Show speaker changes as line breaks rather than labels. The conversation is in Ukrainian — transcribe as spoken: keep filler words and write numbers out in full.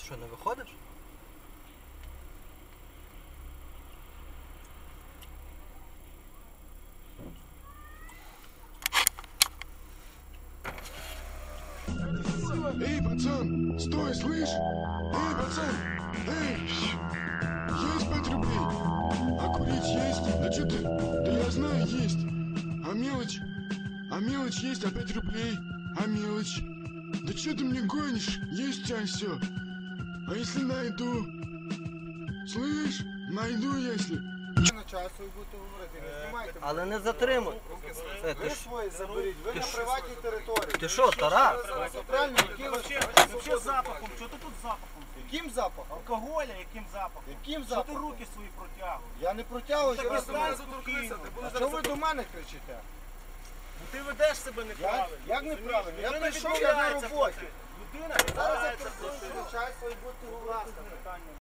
Що, не виходиш?
Эй, пацан, стой, слышь? Эй, пацан, эй, есть пять рублей? А курить есть? Да что ты? Да я знаю, есть. А мелочь? А мелочь есть, а пять рублей? А мелочь? Да что ты мне гонишь? Есть у тебя все. А если найду? Слышь, найду, если.
Часу і будете говорити, не знімайте.
Але не затримуй. Це, ти
Ви
ж-
свої заберіть, ви
ти
на
ж-
приватній території.
Ти що, Тарас?
Правильно, яким
Вообще запахом, що ти тут запахом?
яким запахом?
Алкоголя, яким запахом?
Яким
Що ти
запахом?
руки свої протягуєш?
Я не протягую,
Так
що ви
ви
до мене.
зараз
А що ви до мене кричите?
Ну ти ведеш себе
Я,
неправильно.
як неправильно? Я
Людина
прийшов, я на
відмовляється
роботі.
платити. Людина
Зараз я
відмовляється
прийшов,
платити.
начальство і будете
Будь
говорити.
ласка, питання.